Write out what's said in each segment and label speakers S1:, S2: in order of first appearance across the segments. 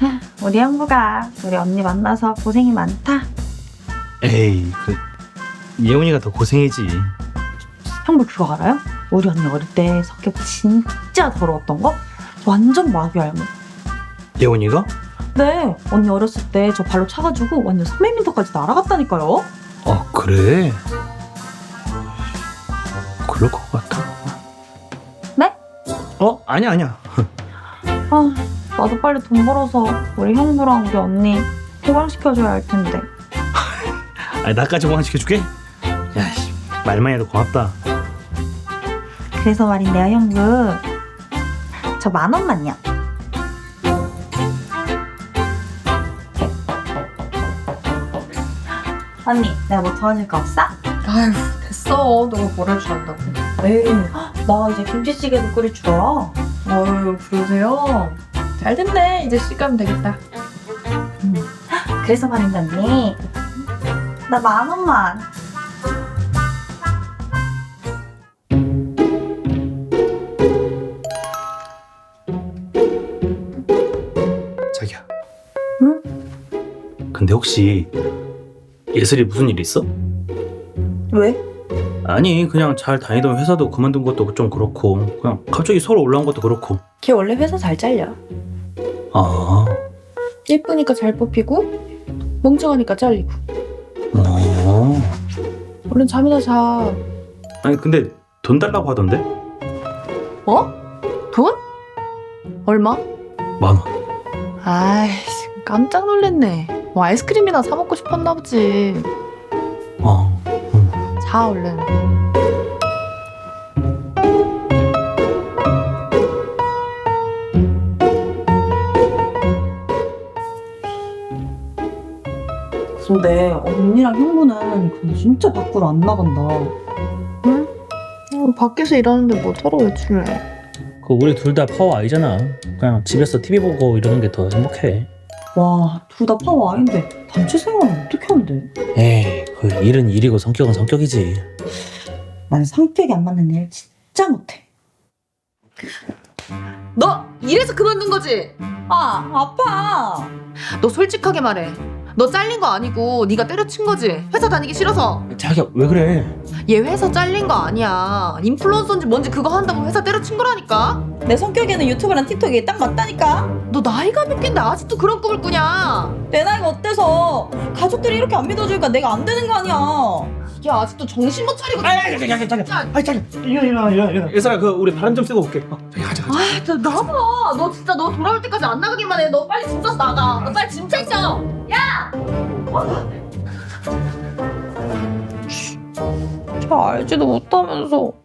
S1: 우리 형부가 우리 언니 만나서 고생이 많다.
S2: 에이, 예원이가 더 고생이지.
S1: 형부 그거 알아요? 우리 언니 어릴 때 성격 진짜 더러웠던 거? 완전 마귀 알모.
S2: 예원이가?
S1: 네, 언니 어렸을 때 저 발로 차가지고 완전 300m까지 날아갔다니까요.
S2: 아, 그래? 그럴 것 같아.
S1: 네?
S2: 아니야.
S1: 아, 나도 빨리 돈 벌어서 우리 형부랑 우리 언니 해방시켜줘야 할 텐데.
S2: 아니, 나까지 호강시켜줄게? 야, 말만 해도 고맙다.
S1: 그래서 말인데요, 형부. 저 10,000원만요. 언니, 내가 뭐 도와줄 거 없어?
S3: 아휴 됐어. 너가 뭘 할 줄 안다고.
S1: 에이, 나 이제 김치찌개도 끓일 줄 알아.
S3: 어휴 그러세요? 잘 됐네. 이제 시간 되겠다.
S1: 그래서 말인데 언니, 나 10,000원만.
S2: 자기야.
S1: 응?
S2: 근데 혹시 예슬이 무슨 일 있어?
S1: 왜?
S2: 아니, 그냥 잘 다니던 회사도 그만둔 것도 좀 그렇고, 그냥 갑자기 서울 올라온 것도 그렇고.
S3: 걔 원래 회사 잘 잘려.
S2: 아,
S3: 예쁘니까 잘 뽑히고 멍청하니까 잘리고.
S2: 어.
S3: 얼른 잠이나 자.
S2: 아니, 근데 돈 달라고 하던데?
S3: 뭐? 돈? 얼마?
S2: 10,000원.
S3: 아이씨 깜짝 놀랐네. 뭐 아이스크림이나 사 먹고 싶었나 보지. 자 얼른.
S1: 근데 언니랑 형부는 근데 진짜 밖으로 안 나간다.
S3: 응? 밖에서 일하는데 뭐 서로 외출해.
S4: 우리 둘 다 파워 아이잖아. 그냥 집에서 TV 보고 이러는 게 더 행복해.
S1: 와, 둘 다 파워 아인데 단체 생활은 어떻게 한대?
S4: 에이, 일은 일이고 성격은 성격이지.
S1: 난 성격이 안 맞는 일 진짜 못해.
S3: 너 이래서 그만둔 거지?
S1: 아, 아파.
S3: 너 솔직하게 말해. 너 잘린 거 아니고 네가 때려친 거지? 회사 다니기 싫어서.
S4: 자기야, 왜 그래?
S3: 얘 회사 잘린 거 아니야. 인플루언서인지 뭔지 그거 한다고 회사 때려친 거라니까.
S1: 내 성격에는 유튜브랑 틱톡이 딱 맞다니까.
S3: 너 나이가 몇 갠데 아직도 그런 꿈을 꾸냐?
S1: 내 나이가 어때서 가족들이 이렇게 안 믿어주니까 내가 안 되는 거 아니야.
S3: 이게 아직도 정신 못 차리고.
S2: 일어나. 예슬아, 우리 바람 좀 쐬고 올게. 저기 가자.
S3: 아, 너 나봐. 너 진짜 너 돌아올 때까지 안 나가기만 해. 너 빨리 짐 싸서 나가. 너 빨리 짐 챙겨. 야! 잘 알지도 못하면서.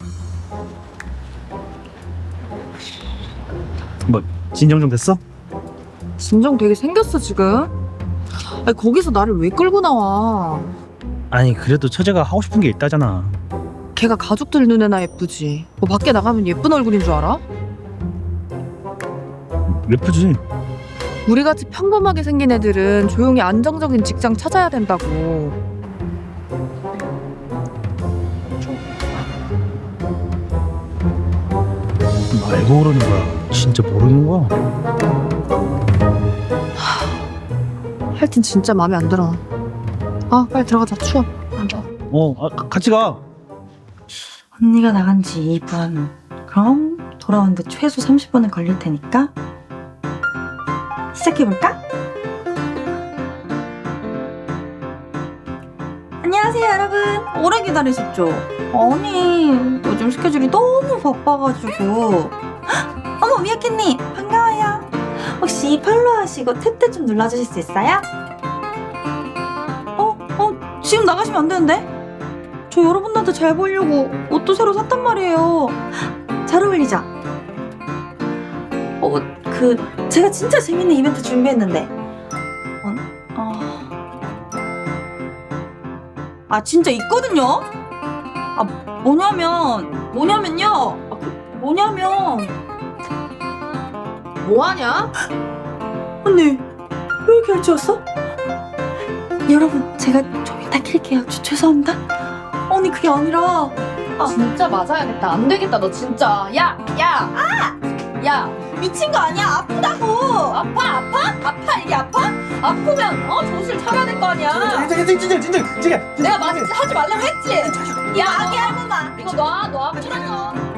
S2: 뭐, 진정 좀 됐어?
S3: 진정 되게 생겼어 지금. 아니, 거기서 나를 왜 끌고 나와?
S2: 아니, 그래도 처제가 하고 싶은 게 있다잖아.
S3: 걔가 가족들 눈에나 예쁘지. 뭐 밖에 나가면 예쁜 얼굴인 줄 알아?
S2: 예쁘지?
S3: 우리같이 평범하게 생긴 애들은 조용히 안정적인 직장 찾아야 된다고.
S2: 말고 그러는 거야. 진짜 모르는 거야.
S3: 하여튼 진짜 마음에 안 들어. 아 빨리 들어가자. 추워.
S2: 같이 가.
S1: 언니가 나간 지 2분. 그럼 돌아오는데 최소 30분은 걸릴 테니까 시작해볼까? 안녕하세요 여러분. 오래 기다리셨죠? 아니 요즘 스케줄이 너무 바빠가지고. 어머 미야캣님 반가워요. 혹시 팔로우 하시고 탭탭 좀 눌러주실 수 있어요? 지금 나가시면 안 되는데? 저 여러분들한테 잘 보이려고 옷도 새로 샀단 말이에요. 잘 어울리죠? 제가 진짜 재밌는 이벤트 준비했는데. 진짜 있거든요? 뭐냐면요.
S3: 뭐하냐?
S1: 언니, 왜 이렇게 일찍 왔어? 여러분, 제가 좀 이따 킬게요. 죄송합니다. 언니, 그게 아니라.
S3: 진짜 맞아야겠다. 안 되겠다 너 진짜. 야!
S1: 미친 거 아니야? 아프다고.
S3: 아파 이게 아파? 아프면 정신을 차려야 될 거 아니야.
S5: 진짜
S3: 내가 하지 말라고 했지.
S1: 야 아기 할머마.
S3: 이거 놔 아프다고.